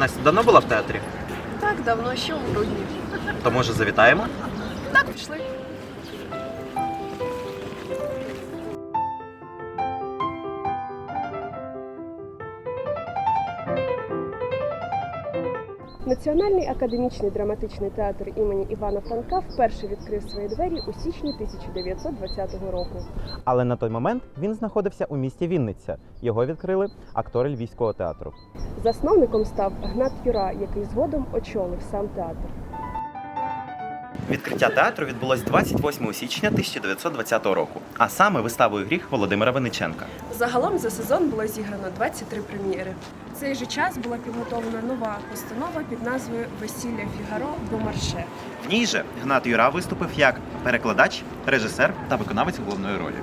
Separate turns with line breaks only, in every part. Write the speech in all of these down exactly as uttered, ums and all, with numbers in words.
Настя давно була в театрі?
Так, давно, ще у грудні.
То може завітаємо?
Так, пішли. Національний академічний драматичний театр імені Івана Франка вперше відкрив свої двері у січні тисяча дев'ятсот двадцятого року.
Але на той момент він знаходився у місті Вінниця. Його відкрили актори Львівського театру.
Засновником став Гнат Юра, який згодом очолив сам театр.
Відкриття театру відбулось двадцять восьмого січня тисяча дев'ятсот двадцятого року, а саме виставою «Гріх» Володимира Винниченка.
Загалом за сезон було зіграно двадцять три прем'єри. В цей же час була підготовлена нова постанова під назвою «Весілля Фігаро Бомарше».
В ній же Гнат Юра виступив як перекладач, режисер та виконавець головної ролі.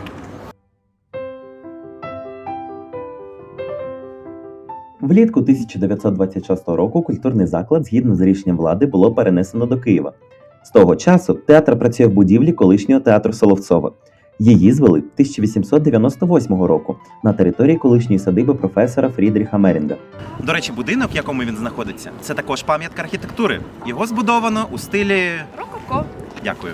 Влітку тисяча дев'ятсот двадцять шостого року культурний заклад згідно з рішенням влади було перенесено до Києва. З того часу театр працює в будівлі колишнього театру Соловцова. Її звели тисяча вісімсот дев'яносто восьмого року на території колишньої садиби професора Фрідріха Мерінга.
До речі, будинок, в якому він знаходиться, це також пам'ятка архітектури. Його збудовано у стилі...
Рококо.
Дякую.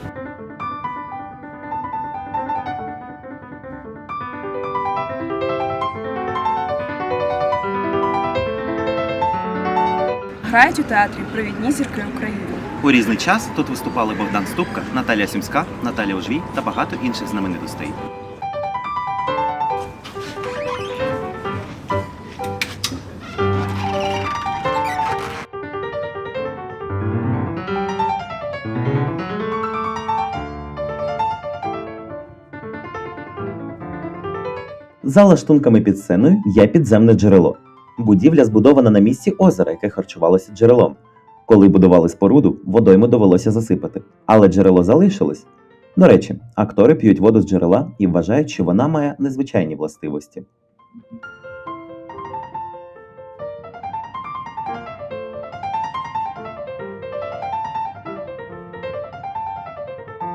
Грають у театрі провідні зірки України.
У різний час тут виступали Богдан Ступка, Наталія Сумська, Наталія Ужвій та багато інших знаменитостей.
За лаштунками під сценою є підземне джерело. Будівля збудована на місці озера, яке харчувалося джерелом. Коли будували споруду, водойму довелося засипати. Але джерело залишилось. До речі, актори п'ють воду з джерела і вважають, що вона має незвичайні властивості.